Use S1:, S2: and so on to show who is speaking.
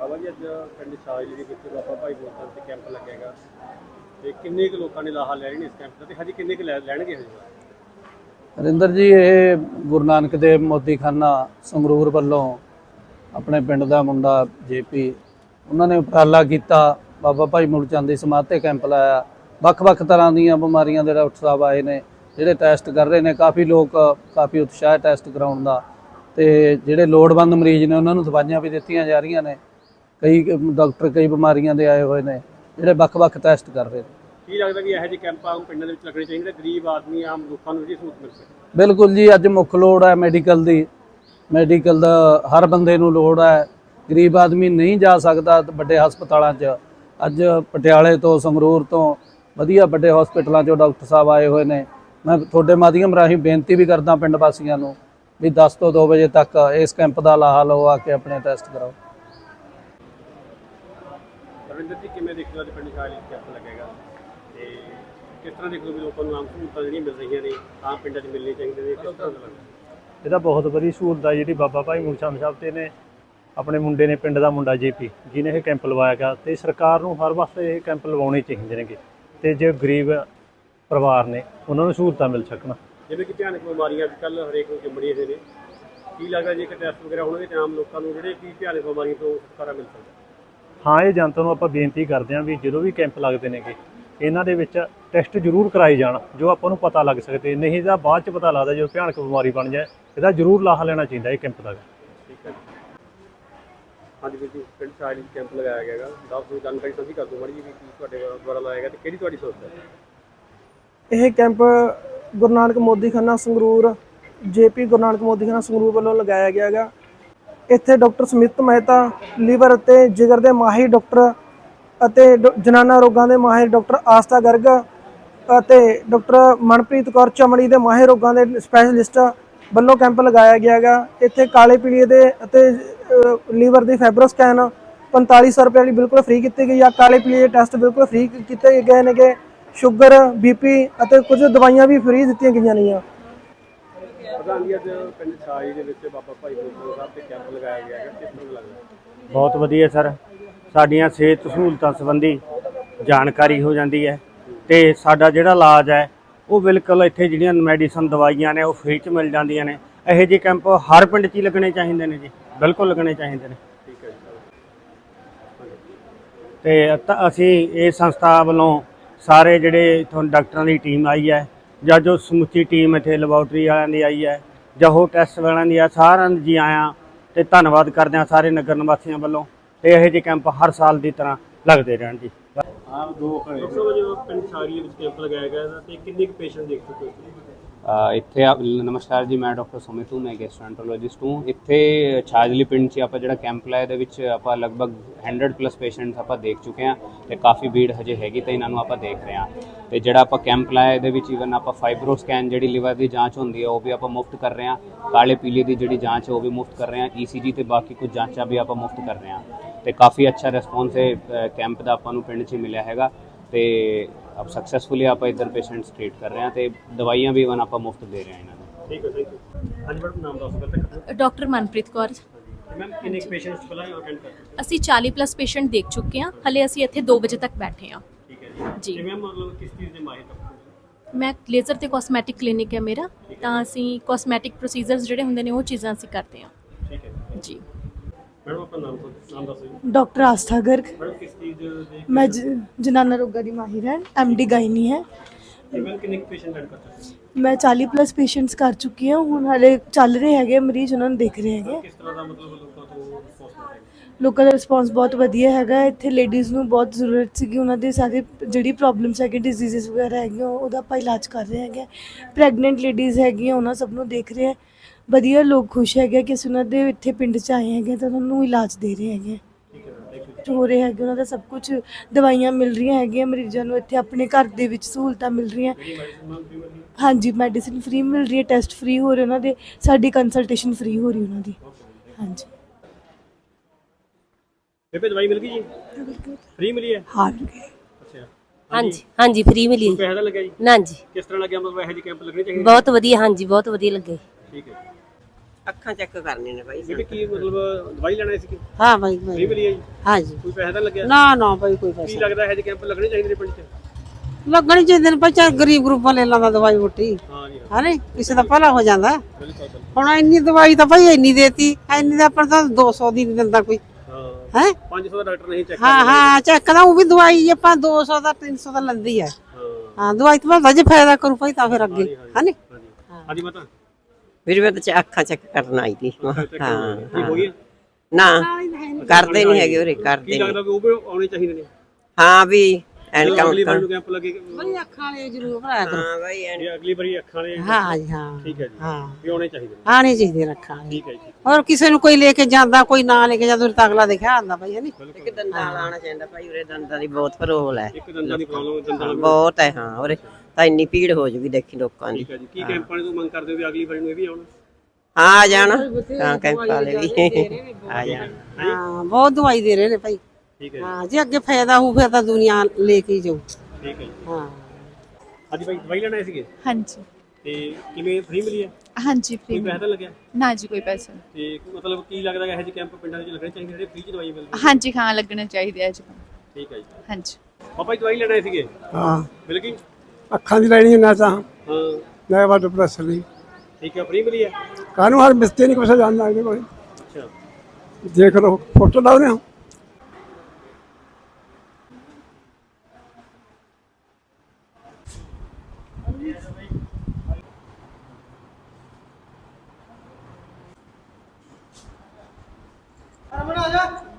S1: ਬਾਬਾ ਜੀ ਅੱਜ ਪਿੰਡ ਸ਼ਾਹਲੀ ਦੇ ਵਿੱਚ ਬਾਬਾ ਭਾਈ ਬੋਲਤਾਂ ਤੇ ਕੈਂਪ ਲੱਗੇਗਾ ਤੇ ਕਿੰਨੇ ਕੁ ਲੋਕਾਂ ਨੇ ਲਾਹਾ ਲੈ ਰਹੇ ਨੇ ਇਸ ਕੈਂਪ ਦਾ ਤੇ ਹਜੇ ਕਿੰਨੇ ਕੁ ਲੈਣਗੇ ਹਜੇ?
S2: ਹਰਿੰਦਰ ਜੀ, ਇਹ ਗੁਰੂ ਨਾਨਕ ਦੇਵ ਮੋਦੀਖਾਨਾ ਸੰਗਰੂਰ ਵੱਲੋਂ ਆਪਣੇ ਪਿੰਡ ਦਾ ਮੁੰਡਾ ਜੇਪੀ ਉਹਨਾਂ ਨੇ ਉਪਰਾਲਾ ਕੀਤਾ। ਬਾਬਾ ਭਾਈ ਮੁਲ ਚੰਦ ਦੀ ਸਮਾਧ ਤੇ ਕੈਂਪ ਲਾਇਆ। ਵੱਖ-ਵੱਖ ਤਰ੍ਹਾਂ ਦੀਆਂ ਬਿਮਾਰੀਆਂ ਦੇ ਡਾਕਟਰ ਸਾਹਿਬ ਆਏ ਨੇ ਜਿਹੜੇ ਟੈਸਟ ਕਰ ਰਹੇ ਨੇ। ਕਾਫੀ ਲੋਕ ਕਾਫੀ ਉਤਸ਼ਾਹ ਟੈਸਟ ਕਰਾਉਣ ਦਾ ਤੇ ਜਿਹੜੇ ਲੋੜਵੰਦ ਮਰੀਜ਼ ਨੇ ਉਹਨਾਂ ਨੂੰ ਦਵਾਈਆਂ ਵੀ ਦਿੱਤੀਆਂ ਜਾ ਰਹੀਆਂ ਨੇ। ਕਈ ਡਾਕਟਰ ਕਈ ਬਿਮਾਰੀਆਂ ਦੇ ਆਏ ਹੋਏ ਨੇ ਜਿਹੜੇ ਵੱਖ-ਵੱਖ ਟੈਸਟ ਕਰ ਰਹੇ ਨੇ।
S1: ਕੀ ਲੱਗਦਾ ਕਿ ਇਹੋ ਜਿਹੇ ਕੈਂਪ ਆਮ ਪਿੰਡਾਂ ਦੇ ਵਿੱਚ ਲੱਗਣੇ ਚਾਹੀਦੇ ਗਰੀਬ ਆਦਮੀ ਆਮ ਲੋਕਾਂ ਨੂੰ ਜਿਹੜੀ ਸਹੂਲਤ ਮਿਲ ਸਕੇ?
S2: ਬਿਲਕੁਲ ਜੀ, ਅੱਜ ਮੁੱਖ ਲੋੜ ਹੈ ਮੈਡੀਕਲ ਦੀ। ਮੈਡੀਕਲ ਦਾ ਹਰ ਬੰਦੇ ਨੂੰ ਲੋੜ ਹੈ। ਗਰੀਬ ਆਦਮੀ ਨਹੀਂ ਜਾ ਸਕਦਾ ਵੱਡੇ ਹਸਪਤਾਲਾਂ 'ਚ। ਅੱਜ ਪਟਿਆਲੇ ਤੋਂ ਸੰਗਰੂਰ ਤੋਂ ਵਧੀਆ ਵੱਡੇ ਹਸਪਤਾਲਾਂ 'ਚੋਂ ਡਾਕਟਰ ਸਾਹਿਬ ਆਏ ਹੋਏ ਨੇ। ਮੈਂ ਤੁਹਾਡੇ ਮਾਧਿਅਮ ਰਾਹੀਂ ਬੇਨਤੀ ਵੀ ਕਰਦਾ ਪਿੰਡ ਵਾਸੀਆਂ ਨੂੰ ਵੀ 10 ਤੋਂ 2 ਵਜੇ ਤੱਕ ਇਸ ਕੈਂਪ ਦਾ ਲਾਹਾ ਲਓ, ਆ ਕੇ ਆਪਣੇ ਟੈਸਟ ਕਰਾਓ।
S1: ਰਵਿੰਦਰ ਜੀ, ਕਿਵੇਂ ਦੇਖਦੇ ਹੋ ਅੱਜ ਪਿੰਡ ਸ਼ਾਹਲੀ ਕੈਂਪ ਲੱਗੇਗਾ ਤੇ ਕਿਸ ਤਰ੍ਹਾਂ ਦੇਖਦੇ ਹੋ ਵੀ ਲੋਕਾਂ ਨੂੰ ਆਮ ਸਹੂਲਤਾਂ ਜਿਹੜੀਆਂ ਮਿਲ ਰਹੀਆਂ ਨੇ ਆਮ ਪਿੰਡਾਂ 'ਚ ਮਿਲਣੀ ਚਾਹੀਦੀਆਂ ਨੇ? ਕਿਸ ਤਰ੍ਹਾਂ ਦਾ ਲੱਗਦਾ?
S3: ਇਹਦਾ ਬਹੁਤ ਵਧੀਆ ਸਹੂਲਤ ਹੈ ਜਿਹੜੀ ਬਾਬਾ ਭਾਈ ਮੁਲ ਚੰਦ ਸਾਹਿਬ ਤੇ ਨੇ ਆਪਣੇ ਮੁੰਡੇ ਨੇ, ਪਿੰਡ ਦਾ ਮੁੰਡਾ ਜੇਪੀ ਜਿਹਨੇ ਇਹ ਕੈਂਪ ਲਵਾਇਆ ਗਿਆ। ਤੇ ਸਰਕਾਰ ਨੂੰ ਹਰ ਵਾਸਤੇ ਇਹ ਕੈਂਪ ਲਵਾਉਣੇ ਚਾਹੀਦੇ ਨੇਗੇ ਤੇ ਜੇ ਗਰੀਬ ਪਰਿਵਾਰ ਨੇ ਉਹਨਾਂ ਨੂੰ ਸਹੂਲਤਾਂ ਮਿਲ ਸਕਣ।
S1: ਜਿਵੇਂ ਕਿ ਭਿਆਨਕ ਬਿਮਾਰੀਆਂ ਅੱਜ ਕੱਲ੍ਹ ਹਰੇਕ ਨੂੰ ਚਿੰਬੜੀਆਂ ਹੋਏ ਨੇ, ਕੀ ਲੱਗਦਾ ਜੇ ਟੈਸਟ ਵਗੈਰਾ ਹੋਣਗੇ ਤਾਂ ਆਮ ਲੋਕਾਂ ਨੂੰ ਜਿਹੜੇ ਕੀ ਭਿਆਨਕ ਬਿਮਾਰੀਆਂ ਤੋਂ ਛੁਟਕਾਰਾ ਮਿਲ ਸਕਦਾ?
S3: ਹਾਂ, ਇਹ ਜਨਤਾ ਨੂੰ ਆਪਾਂ ਬੇਨਤੀ ਕਰਦੇ ਹਾਂ ਵੀ ਜਦੋਂ ਵੀ ਕੈਂਪ ਲੱਗਦੇ ਨੇਗੇ ਇਹਨਾਂ ਦੇ ਵਿੱਚ ਟੈਸਟ ਜ਼ਰੂਰ ਕਰਾਏ ਜਾਣ ਜੋ ਆਪਾਂ ਨੂੰ ਪਤਾ ਲੱਗ ਸਕਦੇ। ਨਹੀਂ ਤਾਂ ਬਾਅਦ 'ਚ ਪਤਾ ਲੱਗਦਾ ਜਦੋਂ ਭਿਆਨਕ ਬਿਮਾਰੀ ਬਣ ਜਾਏ। ਇਹਦਾ ਜ਼ਰੂਰ ਲਾਹਾ ਲੈਣਾ ਚਾਹੀਦਾ ਇਹ ਕੈਂਪ ਦਾ।
S1: ਠੀਕ ਹੈ ਜੀ। ਹਾਂਜੀ ਵੀਰ ਜੀ, ਪਿੰਡ ਸ਼ਾਹਲੀ ਕੈਂਪ ਲਗਾਇਆ ਗਿਆ ਹੈਗਾ, ਦੱਸ ਦਿਓ ਜਾਣਕਾਰੀ ਸਾਂਝੀ ਕਰ ਦਿਓ ਮਾੜੀ ਜੀ ਵੀ ਕੀ ਤੁਹਾਡੇ ਦੁਆਰਾ ਲਾਇਆ ਗਿਆ ਤੇ ਕਿਹੜੀ ਤੁਹਾਡੀ ਸੋਚ ਹੈ?
S4: ਇਹ ਕੈਂਪ ਗੁਰੂ ਨਾਨਕ ਮੋਦੀਖਾਨਾ ਸੰਗਰੂਰ ਜੇਪੀ ਗੁਰੂ ਨਾਨਕ ਮੋਦੀਖਾਨਾ ਸੰਗਰੂਰ ਵੱਲੋਂ ਲਗਾਇਆ ਗਿਆ ਹੈਗਾ। ਇੱਥੇ ਡਾਕਟਰ ਸਮਿਤ ਮਹਿਤਾ, ਲੀਵਰ ਅਤੇ ਜਿਗਰ ਦੇ ਮਾਹਿਰ ਡਾਕਟਰ ਅਤੇ ਜਨਾਨਾ ਰੋਗਾਂ ਦੇ ਮਾਹਿਰ ਡਾਕਟਰ ਆਸਥਾ ਗਰਗ ਅਤੇ ਡਾਕਟਰ ਮਨਪ੍ਰੀਤ ਕੌਰ, ਚਮੜੀ ਦੇ ਮਾਹਿਰ ਰੋਗਾਂ ਦੇ ਸਪੈਸ਼ਲਿਸਟ ਵੱਲੋਂ ਕੈਂਪ ਲਗਾਇਆ ਗਿਆ ਹੈਗਾ। ਇੱਥੇ ਕਾਲੇ ਪੀਲੀਏ ਦੇ ਅਤੇ ਲੀਵਰ ਦੀ ਫਾਈਬਰੋ ਸਕੈਨ 4500 ਰੁਪਏ ਵਾਲੀ ਬਿਲਕੁਲ ਫ੍ਰੀ ਕੀਤੀ ਗਈ ਆ। ਕਾਲੇ ਪੀਲੀਏ ਦੇ ਟੈਸਟ ਬਿਲਕੁਲ ਫ੍ਰੀ ਕੀਤੇ ਗਏ ਨੇਗੇ। ਸ਼ੂਗਰ, ਬੀਪੀ ਅਤੇ ਕੁਝ ਦਵਾਈਆਂ ਵੀ ਫ੍ਰੀ ਦਿੱਤੀਆਂ ਗਈਆਂ ਨੇ।
S1: ਪ੍ਰਧਾਨ ਜੀ, ਅੱਜ ਪਿੰਡ ਸ਼ਾਹਲੀ ਦੇ ਵਿੱਚ ਬਾਬਾ ਭਾਈ ਬੋਲਤਾਂ ਸਾਹਿਬ ਤੇ ਕੈਂਪ ਲਗਾਇਆ ਗਿਆ ਹੈ, ਕਿਸ ਤਰ੍ਹਾਂ ਲੱਗਦਾ?
S5: ਬਹੁਤ ਵਧੀਆ ਸਰ, ਸਾਡੀਆਂ ਸਿਹਤ ਸਹੂਲਤਾਂ ਸੰਬੰਧੀ ਜਾਣਕਾਰੀ ਹੋ ਜਾਂਦੀ ਹੈ ਤੇ ਸਾਡਾ ਜਿਹੜਾ ਇਲਾਜ ਹੈ ਉਹ ਬਿਲਕੁਲ ਇੱਥੇ ਜਿਹੜੀਆਂ ਮੈਡੀਸਨ ਦਵਾਈਆਂ ਨੇ ਉਹ ਫ੍ਰੀ 'ਚ ਮਿਲ ਜਾਂਦੀਆਂ ਨੇ। ਇਹੋ ਜਿਹੇ ਕੈਂਪ ਹਰ ਪਿੰਡ 'ਚ ਹੀ ਲੱਗਣੇ ਚਾਹੀਦੇ ਨੇ ਜੀ, ਬਿਲਕੁਲ ਲੱਗਣੇ ਚਾਹੀਦੇ ਨੇ।
S1: ਠੀਕ ਹੈ ਜੀ।
S5: ਤੇ ਅਸੀਂ ਇਸ ਸੰਸਥਾ ਵੱਲੋਂ ਸਾਰੇ ਜਿਹੜੇ ਇੱਥੋਂ ਡਾਕਟਰਾਂ ਦੀ ਟੀਮ ਆਈ ਹੈ ਜਾਂ ਜੋ ਸਮੁੱਚੀ ਟੀਮ ਇੱਥੇ ਲੈਬੋਰਟਰੀ ਵਾਲਿਆਂ ਦੀ ਆਈ ਹੈ ਜਾਂ ਹੋਰ ਟੈਸਟ ਵਾਲਿਆਂ ਦੀ ਆ, ਸਾਰਿਆਂ ਨੂੰ ਜੀ ਆਇਆਂ ਤੇ ਧੰਨਵਾਦ ਕਰਦੇ ਹਾਂ ਸਾਰੇ ਨਗਰ ਨਿਵਾਸੀਆਂ ਵੱਲੋਂ। ਤੇ ਇਹੋ ਜਿਹੇ ਕੈਂਪ ਹਰ ਸਾਲ ਦੀ ਤਰ੍ਹਾਂ ਲੱਗਦੇ ਰਹਿਣ ਜੀ।
S1: ਡਾਕਟਰ ਜੋ ਪਿੰਡ ਸ਼ਾਹਲੀ ਵਿੱਚ ਕੈਂਪ ਲਗਾਇਆ ਗਿਆ ਤੇ ਕਿੰਨੇ ਕੁ ਪੇਸ਼ੈਂਟ ਦੇਖ ਚੁੱਕੇ ਹੋ?
S6: ਇੱਥੇ ਨਮਸਕਾਰ ਜੀ, ਮੈਂ ਡਾਕਟਰ ਸੁਮਿਤ ਹੂੰ, ਮੈਂ ਗੈਸਟ੍ਰੋਐਂਟਰੋਲੋਜਿਸਟ ਹੂੰ। ਇੱਥੇ ਛਾਜਲੀ ਪਿੰਡ 'ਚ ਆਪਾਂ ਜਿਹੜਾ ਕੈਂਪ ਲਾਇਆ ਇਹਦੇ ਵਿੱਚ ਆਪਾਂ ਲਗਭਗ 100+ ਪੇਸ਼ੈਂਟਸ ਆਪਾਂ ਦੇਖ ਚੁੱਕੇ ਹਾਂ ਤੇ ਕਾਫੀ ਭੀੜ ਹਜੇ ਹੈਗੀ ਤਾਂ ਇਹਨਾਂ ਨੂੰ ਆਪਾਂ ਦੇਖ ਰਹੇ ਹਾਂ। ਤੇ ਜਿਹੜਾ ਆਪਾਂ ਕੈਂਪ ਲਾਇਆ ਇਹਦੇ ਵਿੱਚ ਈਵਨ ਆਪਾਂ ਫਾਈਬਰੋ ਸਕੈਨ ਜਿਹੜੀ ਲਿਵਰ ਦੀ ਜਾਂਚ ਹੁੰਦੀ ਹੈ ਉਹ ਵੀ ਆਪਾਂ ਮੁਫਤ ਕਰ ਰਹੇ ਹਾਂ। ਕਾਲੇ ਪੀਲੇ ਦੀ ਜਿਹੜੀ ਜਾਂਚ ਹੈ ਉਹ ਵੀ ਮੁਫਤ ਕਰ ਰਹੇ ਹਾਂ। ECG ਤੇ ਬਾਕੀ ਕੁਝ ਜਾਂਚਾਂ ਵੀ ਆਪਾਂ ਮੁਫਤ ਕਰ ਰਹੇ ਹਾਂ ਤੇ ਕਾਫੀ ਅੱਛਾ ਰਿਸਪੌਂਸ ਹੈ ਕੈਂਪ ਦਾ ਆਪਾਂ ਨੂੰ ਪਿੰਡ 'ਚ ਮਿਲਿਆ ਹੈਗਾ। ਤੇ अब सक्सेसफुली आप इधर पेशेंट्स ट्रीट कर रहे हैं तो दवाइयाँ भी वन आप मुफ्त दे रहे हैं इन्होंने।
S1: ठीक है, थैंक यू। हाँ जी मैडम, नाम दस सकते?
S7: डॉक्टर मनप्रीत कौर।
S1: मैम कितने पेशेंट्स ਪਹਿਲਾਂ ਅਟੈਂਡ ਕਰ ਚੁੱਕੇ?
S7: ਅਸੀਂ 40+ ਪੇਸ਼ੈਂਟ ਦੇਖ ਚੁੱਕੇ ਹਾਂ। ਹਲੇ ਅਸੀਂ ਇੱਥੇ 2 ਵਜੇ ਤੱਕ ਬੈਠੇ ਹਾਂ।
S1: ਠੀਕ ਹੈ ਜੀ। ਤੇ ਮੈਮ ਮਤਲਬ ਕਿਸ ਚੀਜ਼ ਦੇ ਮਾਹਿਰ ਡਾਕਟਰ?
S7: ਮੈਂ ਲੇਜ਼ਰ ਤੇ ਕਾਸਮੈਟਿਕ ਕਲੀਨਿਕ ਹੈ ਮੇਰਾ, ਤਾਂ ਅਸੀਂ ਕਾਸਮੈਟਿਕ ਪ੍ਰੋਸੀਜਰਸ ਜਿਹੜੇ ਹੁੰਦੇ ਨੇ ਉਹ ਚੀਜ਼ਾਂ ਅਸੀਂ ਕਰਦੇ ਹਾਂ।
S1: ਠੀਕ ਹੈ ਜੀ। मैडम अपना नाम दसो।
S8: डॉक्टर आस्था गर्ग।
S1: मैडम किस चीज ਦੇ?
S8: मैं जनाना रोगा की माहिर है, MD गायनी है।
S1: मैम कितने पेशेंट अटेंड कर चुके?
S8: मैं 40+ पेशेंट्स कर चुकी हूँ। हुण हाले चल रहे हैं मरीज, उन्होंने देख रहे हैं।
S1: किस तरह ਦਾ ਮਤਲਬ ਲੋਕਾਂ ਤੋਂ ਰਿਸਪੌਂਸ ਮਿਲ ਰਿਹਾ?
S8: ਲੋਕਾਂ ਦਾ ਰਿਸਪੌਂਸ ਬਹੁਤ ਵਧੀਆ ਹੈਗਾ। ਇੱਥੇ ਲੇਡੀਜ਼ ਨੂੰ ਬਹੁਤ ਜ਼ਰੂਰਤ ਸੀਗੀ, ਉਹਨਾਂ ਦੇ ਸਾਰੇ ਜਿਹੜੀ ਪ੍ਰੋਬਲਮਸ ਹੈਗੇ, ਡਿਜ਼ੀਜ਼ਸ ਵਗੈਰਾ ਹੈਗੀਆਂ ਉਹਦਾ ਆਪਾਂ ਇਲਾਜ ਕਰ ਰਹੇ ਹੈਗੇ। ਪ੍ਰੈਗਨੈਂਟ ਲੇਡੀਜ਼ ਹੈਗੀਆਂ ਉਹਨਾਂ ਸਭ ਨੂੰ ਦੇਖ ਰਹੇ ਹੈ। ਵਧੀਆ ਲੋਕ ਖੁਸ਼ ਹੈਗੇ ਕਿ ਅਸੀਂ ਉਹਨਾਂ ਦੇ ਇੱਥੇ ਪਿੰਡ 'ਚ ਆਏ ਹੈਗੇ ਤਾਂ ਉਹਨਾਂ ਨੂੰ ਇਲਾਜ ਦੇ ਰਹੇ ਹੈਗੇ। ਹੋ ਰਹੇ ਹੈਗੇ ਉਹਨਾਂ ਦਾ ਸਭ ਕੁਝ, ਦਵਾਈਆਂ ਮਿਲ ਰਹੀਆਂ ਹੈਗੀਆਂ ਮਰੀਜ਼ਾਂ ਨੂੰ। ਇੱਥੇ ਆਪਣੇ ਘਰ ਦੇ ਵਿੱਚ ਸਹੂਲਤਾਂ ਮਿਲ ਰਹੀਆਂ। ਹਾਂਜੀ, ਮੈਡੀਸਿਨ ਫ੍ਰੀ ਮਿਲ ਰਹੀ ਹੈ, ਟੈਸਟ ਫ੍ਰੀ ਹੋ ਰਹੇ ਉਹਨਾਂ ਦੇ, ਸਾਡੀ ਕੰਸਲਟੇਸ਼ਨ ਫ੍ਰੀ ਹੋ ਰਹੀ ਉਹਨਾਂ ਦੀ। ਹਾਂਜੀ।
S1: ਬੇਬੇ ਦਵਾਈ ਮਿਲ ਗਈ ਜੀ? ਫ੍ਰੀ ਮਿਲੀ ਹੈ?
S8: ਹਾਂ ਮਿਲ ਗਈ।
S1: ਅੱਛਾ।
S9: ਹਾਂਜੀ ਹਾਂਜੀ ਫ੍ਰੀ ਮਿਲੀ ਹੈ।
S1: ਪੈਸਾ ਤਾਂ ਲੱਗਿਆ ਜੀ?
S9: ਨਾ ਜੀ।
S1: ਕਿਸ ਤਰ੍ਹਾਂ ਲੱਗਿਆ ਮਤਲਬ ਇਹੋ ਜਿਹੇ ਕੈਂਪ ਲੱਗਣੇ ਚਾਹੀਦੇ?
S9: ਬਹੁਤ ਵਧੀਆ, ਹਾਂਜੀ ਬਹੁਤ ਵਧੀਆ ਲੱਗੇ।
S1: ਠੀਕ ਹੈ।
S10: ਅੱਖਾਂ ਚੈੱਕ ਕਰਨੇ ਨੇ ਬਾਈ
S1: ਬੀਬੀ ਕੀ ਮਤਲਬ ਦਵਾਈ ਲੈਣਾ ਸੀ
S11: ਹਾਂ ਬਾਈ
S1: ਫ੍ਰੀ ਮਿਲੀ ਹੈ ਜੀ
S11: ਹਾਂ ਜੀ
S1: ਕੋਈ ਪੈਸਾ ਤਾਂ ਲੱਗਿਆ
S11: ਨਾ ਨਾ ਬਾਈ ਕੋਈ
S1: ਕੀ
S11: ਪੈਸਾ
S1: ਲੱਗਦਾ ਹੈ ਜੇ ਕੈਂਪ ਲੱਗਣੇ ਚਾਹੀਦੇ ਨੇ ਪਿੰਡ 'ਚ
S11: ਲੱਗਣੀ ਚਾਹੀਦੇ ਨੇ ਬੱਚਾ ਗਰੀਬ ਗਰੂਪਾਂ ਲੈ ਲਾਂਦਾ ਦਵਾਈ ਬੁੱਟੀ
S1: ਹਾਂ ਜੀ
S11: ਹਾਂ ਨੀ ਕਿਸੇ ਦਾ ਭਲਾ ਹੋ ਜਾਂਦਾ
S1: ਬਿਲਕੁਲ
S11: ਹੁਣ ਇੰਨੀ ਦਵਾਈ ਤਾਂ ਭਾਈ ਇੰਨੀ ਦੇਤੀ ਇੰਨੀ ਦਾ ਪਰ ਤਾਂ 200 ਦੀ ਨਹੀਂ ਦਿੰਦਾ ਕੋਈ
S1: ਹਾਂ
S11: ਹੈ
S1: 500 ਦਾ ਡਾਕਟਰ ਨਹੀਂ ਚੈੱਕ
S11: ਹਾਂ ਹਾਂ ਚੈੱਕ ਦਾ ਉਹ ਵੀ ਦਵਾਈ ਆਪਾਂ 200 ਦਾ 300 ਦਾ ਲੈਂਦੀ ਹੈ
S1: ਹਾਂ
S11: ਹਾਂ ਦਵਾਈ ਤਾਂ ਭਾਵੇਂ ਜੇ ਫਾਇਦਾ ਕਰੂ ਭਾਈ ਤਾਂ ਫਿਰ ਅੱਗੇ ਹਾਂ ਨੀ
S1: ਹਾਂਜੀ ਮਾਤਾ
S10: ਵੀਰ ਮੈਂ ਤਾਂ ਅੱਖਾਂ ਚੈੱਕ ਕਰਨ ਆਈ ਸੀ
S1: ਕੀ ਹੋ ਗਿਆ
S10: ਨਾ ਕਰਦੇ ਨਹੀਂ ਹੈਗੇ ਉਰੇ
S1: ਕੀ
S10: ਕਰਦੇ
S1: ਲੱਗਦਾ ਵੀ ਉਹ ਵੀ ਆਉਣੇ ਚਾਹੀਦੇ ਨੇ
S10: ਹਾਂ ਵੀ ਐਨਕਾਂ
S1: ਅਗਲੀ ਵਾਰ ਨੂੰ ਕੈਂਪ ਲੱਗੇ
S11: ਬਈ ਅੱਖਾਂ ਵਾਲੇ ਜ਼ਰੂਰ ਭਰਾਇਆ ਕਰੋ
S10: ਹਾਂ ਬਾਈ
S1: ਜੇ ਅਗਲੀ ਵਾਰੀ ਅੱਖਾਂ ਵਾਲੇ
S11: ਹਾਂ ਜੀ ਹਾਂ
S1: ਠੀਕ ਹੈ ਜੀ
S11: ਹਾਂ
S1: ਵੀ ਆਉਣੇ ਚਾਹੀਦੇ ਨੇ
S11: ਆਣੇ ਚਾਹੀਦੇ ਰੱਖਾਂ ਵਾਲੇ
S1: ਠੀਕ ਹੈ ਜੀ
S11: ਔਰ ਕਿਸੇ ਨੂੰ ਕੋਈ ਲੈ ਕੇ ਜਾਂਦਾ ਕੋਈ ਨਾ ਲੈ ਕੇ ਜਾਂਦਾ ਤਾਂ ਅਗਲਾ ਦੇਖਿਆ ਆਂਦਾ ਭਾਈ ਨਹੀਂ
S10: ਇੱਕ ਦੰਦਾਂ ਵਾਲਾ ਆਉਣਾ ਚਾਹੀਦਾ ਭਾਈ ਉਰੇ ਦੰਦਾਂ ਦੀ ਬਹੁਤ ਪ੍ਰੋਬਲਮ ਹੈ
S1: ਇੱਕ ਦੰਦਾਂ ਦੀ ਪ੍ਰੋਬਲਮ ਦੰਦਾਂ ਵਾਲਾ
S10: ਬਹੁਤ ਹੈ ਹਾਂ ਉਰੇ ਤਾਂ ਇੰਨੀ ਭੀੜ ਹੋ ਜੂਗੀ ਦੇਖੀ ਲੋਕਾਂ ਦੀ
S1: ਠੀਕ ਹੈ ਜੀ ਕੀ ਕੈਂਪਾਂ ਨੇ ਤੋਂ ਮੰਗ ਕਰਦੇ ਹੋ ਵੀ ਅਗਲੀ ਵਾਰੀ ਨੂੰ ਇਹ ਵੀ ਆਉਣ
S10: ਹਾਂ ਆ ਜਾਣਾ ਹਾਂ ਕੈਂਪ ਵਾਲੇ ਵੀ ਆ ਜਾਣ
S11: ਹਾਂ ਬਹੁਤ ਦਵਾਈ ਦੇ ਰਹੇ ਨੇ ਭਾਈ
S1: ਠੀਕ ਹੈ
S11: ਹਾਂ ਜੇ ਅੱਗੇ ਫਾਇਦਾ ਹੋਊ ਫਿਰ ਤਾਂ ਦੁਨੀਆ ਲੈ ਕੇ ਹੀ ਜਾਊ
S1: ਠੀਕ ਹੈ ਜੀ
S11: ਹਾਂ
S1: ਹਾਂਜੀ ਭਾਈ ਦਵਾਈ ਲੈਣ ਆਏ ਸੀਗੇ
S7: ਹਾਂਜੀ
S1: ਤੇ ਕਿਵੇਂ ਫ੍ਰੀ ਮਿਲੀ ਹੈ
S7: ਹਾਂਜੀ
S1: ਕੋਈ ਪੈਸਾ ਤਾਂ ਲੱਗਿਆ
S7: ਨਾ ਜੀ ਕੋਈ ਪੈਸਾ
S1: ਤੇ ਮਤਲਬ ਕੀ ਲੱਗਦਾ ਹੈ ਇਹ ਜਿਹੇ ਕੈਂਪ ਪਿੰਡਾਂ ਵਿੱਚ ਲੱਗਣੇ ਚਾਹੀਦੇ ਜਿਹੜੇ ਫ੍ਰੀ ਚ ਦਵਾਈ ਮਿਲਦੀ
S7: ਹਾਂਜੀ ਹਾਂ ਲੱਗਣੇ ਚਾਹੀਦੇ ਅੱਜ
S1: ਠੀਕ ਹੈ ਜੀ
S7: ਹਾਂਜੀ
S1: ਪਾਪਾ ਜੀ ਦਵਾਈ ਲੈਣ ਆਏ ਸੀਗੇ
S12: ਹਾਂ
S1: ਮਿਲ ਗਈ
S12: ਅੱਖਾਂ ਦੀ ਲੈਣੀ ਨਾ ਤਾਂ
S1: ਹਾਂ
S12: ਨਾ ਵਾਟਰ ਪ੍ਰੈਸ਼ਰ ਦੀ
S1: ਠੀਕ ਹੈ ਫ੍ਰੀ ਮਿਲੀ ਹੈ
S12: ਕਾਨੂੰ ਹਰ ਮਿਸਤੇ ਨਹੀਂ ਕੁਛ ਜਾਣਦਾ ਇਹਦੇ ਕੋਲ
S1: ਅੱਛਾ
S12: ਦੇਖ ਲਓ ਫੋਟੋ ਲਾਉਨੇ ਹੋ
S4: ਬਣਾ ਜਾ